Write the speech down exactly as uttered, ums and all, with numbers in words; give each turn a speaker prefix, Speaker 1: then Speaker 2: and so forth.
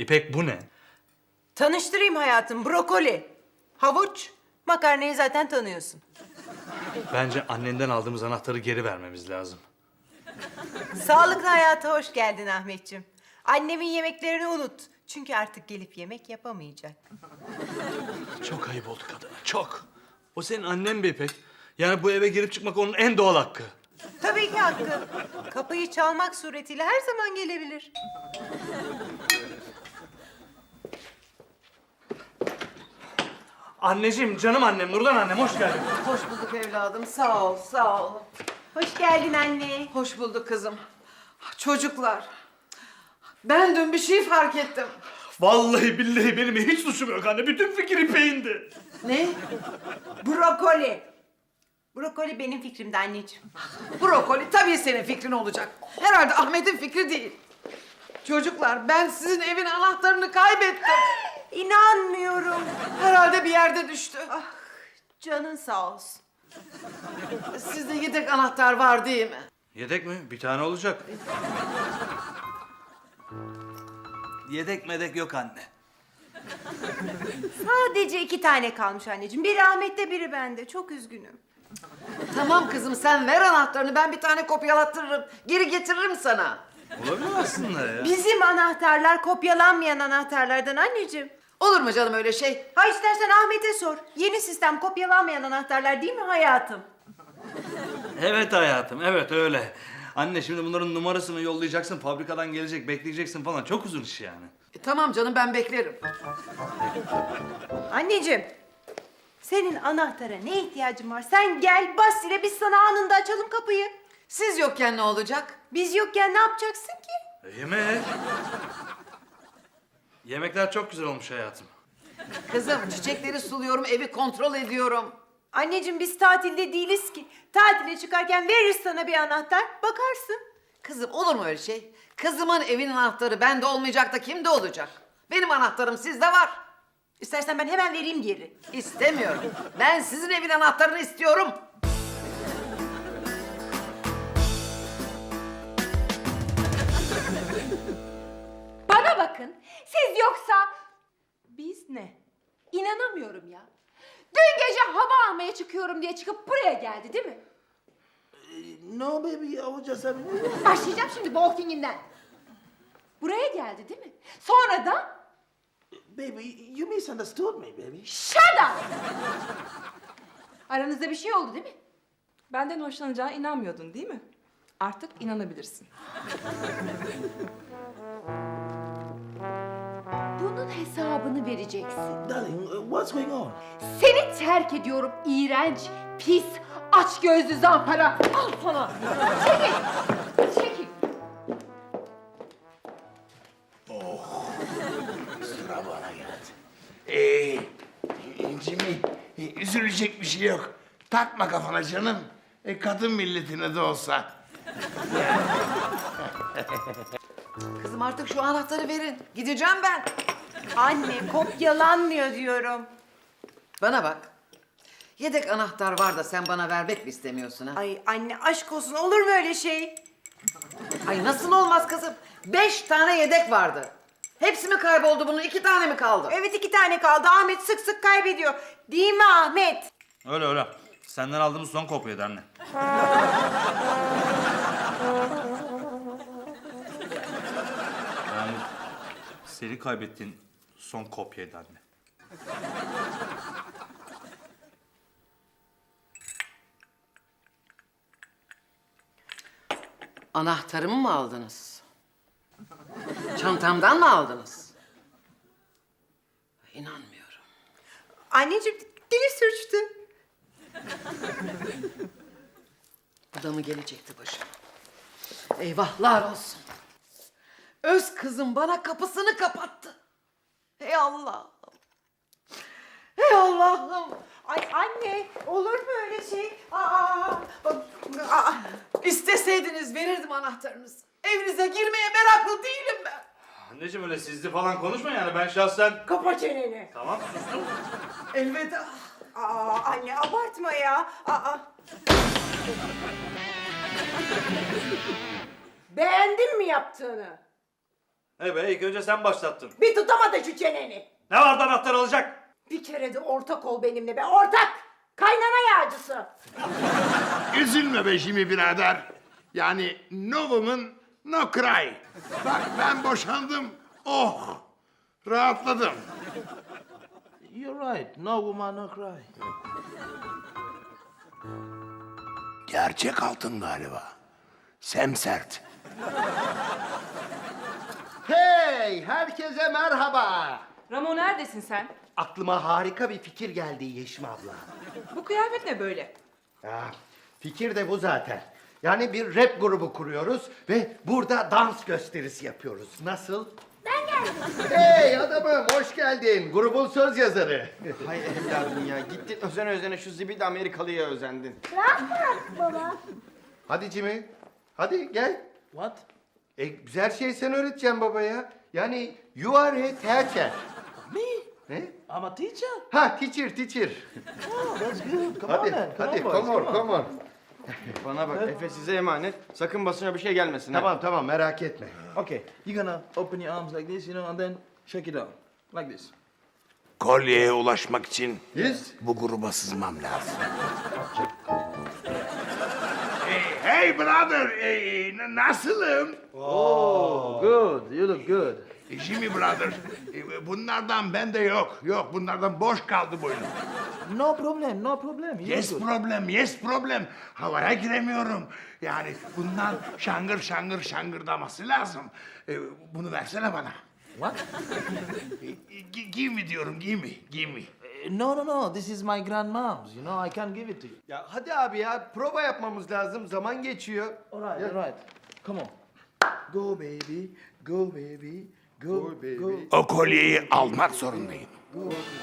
Speaker 1: İpek bu ne?
Speaker 2: Tanıştırayım hayatım, brokoli, havuç, makarnayı zaten tanıyorsun.
Speaker 1: Bence annenden aldığımız anahtarı geri vermemiz lazım.
Speaker 2: Sağlıklı hayata hoş geldin Ahmetciğim. Annemin yemeklerini unut. Çünkü artık gelip yemek yapamayacak.
Speaker 1: Çok ayıp oldu kadına, çok. O senin annen be İpek. Yani bu eve girip çıkmak onun en doğal hakkı.
Speaker 2: Tabii ki hakkı. Kapıyı çalmak suretiyle her zaman gelebilir.
Speaker 1: Anneciğim, canım annem, Nurdan annem, hoş geldin.
Speaker 3: Hoş bulduk evladım. Sağ ol, sağ ol.
Speaker 2: Hoş geldin anne.
Speaker 3: Hoş bulduk kızım. Çocuklar, ben dün bir şey fark ettim.
Speaker 1: Vallahi billahi benim hiç suçum yok anne. Bütün fikir İpek'indi.
Speaker 3: Ne?
Speaker 2: Brokoli. Brokoli benim fikrimdi anneciğim.
Speaker 3: Brokoli tabii senin fikrin olacak. Herhalde Ahmet'in fikri değil. Çocuklar, ben sizin evin anahtarını kaybettim.
Speaker 2: İnanmıyorum.
Speaker 3: Herhalde bir yerde düştü.
Speaker 2: Ah, canın sağ olsun.
Speaker 3: Sizde yedek anahtar var değil mi?
Speaker 1: Yedek mi? Bir tane olacak. Yedek medek yok anne.
Speaker 2: Sadece iki tane kalmış anneciğim. Biri Ahmet'te, biri bende. Çok üzgünüm.
Speaker 3: Tamam kızım, sen ver anahtarını. Ben bir tane kopyalattırırım. Geri getiririm sana.
Speaker 1: Olabilir aslında ya.
Speaker 2: Bizim anahtarlar kopyalanmayan anahtarlardan anneciğim.
Speaker 3: Olur mu canım öyle şey?
Speaker 2: Ha istersen Ahmet'e sor. Yeni sistem kopyalanmayan anahtarlar değil mi hayatım?
Speaker 1: Evet hayatım, evet öyle. Anne şimdi bunların numarasını yollayacaksın, fabrikadan gelecek, bekleyeceksin falan. Çok uzun iş yani.
Speaker 3: E, tamam canım, ben beklerim.
Speaker 2: Anneciğim, senin anahtara ne ihtiyacın var? Sen gel, bas ile biz sana anında açalım kapıyı.
Speaker 3: Siz yokken ne olacak?
Speaker 2: Biz yokken ne yapacaksın ki?
Speaker 1: E, yemek. Yemekler çok güzel olmuş hayatım.
Speaker 3: Kızım, çiçekleri suluyorum, evi kontrol ediyorum.
Speaker 2: Anneciğim biz tatilde değiliz ki. Tatile çıkarken veririz sana bir anahtar, bakarsın.
Speaker 3: Kızım, olur mu öyle şey? Kızımın evin anahtarı bende olmayacak da kimde olacak? Benim anahtarım sizde var.
Speaker 2: İstersen ben hemen vereyim geri.
Speaker 3: İstemiyorum. Ben sizin evin anahtarını istiyorum.
Speaker 4: Bana bakın, siz yoksa biz ne? İnanamıyorum ya. Dün gece hava almaya çıkıyorum diye çıkıp buraya geldi değil mi?
Speaker 5: No, baby, I was just having...
Speaker 4: Başlayacağım şimdi walking'inden. Buraya geldi değil mi? Sonra da
Speaker 5: Baby, you misunderstood me, baby.
Speaker 4: shut up! Aranızda bir şey oldu değil mi?
Speaker 6: Benden hoşlanacağına inanmıyordun değil mi? Artık inanabilirsin.
Speaker 4: Bunun hesabını vereceksin.
Speaker 5: Darling, uh, what's going on?
Speaker 4: Seni terk ediyorum iğrenç, pis, açgözlü zampara. Al sana. Çekil. Çekil.
Speaker 5: Sıra bana geldi. Ee, Jimmy, e, üzülecek bir şey yok. Takma kafana canım. E, kadın milletine de olsa.
Speaker 3: Kızım, artık şu anahtarı verin. Gideceğim ben.
Speaker 2: Anne kopyalanmıyor diyorum.
Speaker 3: Bana bak. Yedek anahtar var da sen bana vermek mi istemiyorsun ha?
Speaker 2: Ay anne aşk olsun, olur mu öyle şey?
Speaker 3: Ay nasıl olmaz kızım? Beş tane yedek vardı. Hepsi mi kayboldu bunun? İki tane mi kaldı?
Speaker 2: Evet iki tane kaldı. Ahmet sık sık kaybediyor. Değil mi Ahmet?
Speaker 1: Öyle öyle. Senden aldığımız son kopyaydı anne. Yani seni kaybettiğin son kopyaydı anne.
Speaker 3: Anahtarımı mı aldınız? Çantamdan mı aldınız? İnanmıyorum.
Speaker 2: Anneciğim dili sürçtü.
Speaker 3: Bu da mı gelecekti başıma? Eyvahlar olsun. Öz kızım bana kapısını kapattı. Ey Allah'ım. Ey Allah'ım.
Speaker 2: Ay anne olur mu öyle şey? Aa, aa.
Speaker 3: İsteseydiniz verirdim anahtarınızı. Evinize girmeye meraklı değilim ben.
Speaker 1: Anneciğim öyle sizli falan konuşma yani ben şahsen...
Speaker 2: Kapa çeneni.
Speaker 1: Tamam sustum.
Speaker 3: Elveda.
Speaker 2: Aa, anne abartma ya. Aa. Beğendin mi yaptığını?
Speaker 1: Evet, ilk önce sen başlattın.
Speaker 7: Bir tutamadı şu çeneni.
Speaker 1: Ne vardı anahtar alacak?
Speaker 7: Bir kere de ortak ol benimle be, ortak! Kaynana yağcısı.
Speaker 5: Üzülme be Jimmy birader. Yani no woman, no cry. Bak ben boşandım. Oh! Rahatladım.
Speaker 8: You're right. No woman, no cry.
Speaker 5: Gerçek altın galiba. Semsert.
Speaker 9: Hey, herkese merhaba.
Speaker 6: Ramo neredesin sen?
Speaker 9: Aklıma harika bir fikir geldi Yeşim abla.
Speaker 6: Bu kıyafet ne böyle?
Speaker 9: Ya, fikir de bu zaten. Yani bir rap grubu kuruyoruz ve burada dans gösterisi yapıyoruz. Nasıl? Ben geldim. Hey adamım, hoş geldin. Grubun söz yazarı.
Speaker 10: Hay evladım ya. Gittin özene özene şu zibidi Amerikalı'ya özendin.
Speaker 9: Hadi Jimmy, hadi gel.
Speaker 8: What?
Speaker 9: E, güzel şey sen öğreteceksin babaya. Yani you are a teacher.
Speaker 8: Me?
Speaker 9: Ne?
Speaker 8: I'm a teacher.
Speaker 9: Ha, teacher, teacher.
Speaker 8: Oh, that's good. Come
Speaker 9: Hadi,
Speaker 8: on, man. Come
Speaker 9: hadi,
Speaker 8: on, boys,
Speaker 9: come on, come on.
Speaker 10: Bana bak Efe size emanet. Sakın basına bir şey gelmesin ha.
Speaker 9: Tamam, tamam, merak etme.
Speaker 8: Okay, you're gonna open your arms like this, you know, and then shake it out. Like this.
Speaker 5: Kolyeye ulaşmak için
Speaker 9: Yes.
Speaker 5: bu gruba sızmam lazım. hey, hey brother, hey, n- nasılım?
Speaker 8: Good, you look good.
Speaker 5: E, Jimmy brother, e, bunlardan bende yok. Yok, bunlardan boş kaldı boynum.
Speaker 8: No problem, no problem. You
Speaker 5: Yes
Speaker 8: look good.
Speaker 5: problem, yes problem. Havaya giremiyorum. Yani bundan şangır şangır şangırdaması lazım. E, bunu versene bana.
Speaker 8: What?
Speaker 5: E, gi- give me diyorum, give me, give me.
Speaker 8: Eh, No, no, no. This is my grandmom's. You know, I can't give it to you.
Speaker 9: Ya hadi abi ya, prova yapmamız lazım. Zaman geçiyor.
Speaker 8: All right, all right. Come on. Go, baby. Go, baby. Go,
Speaker 9: baby.
Speaker 8: go.
Speaker 5: O kolyeyi almak zorundayım.
Speaker 8: Go,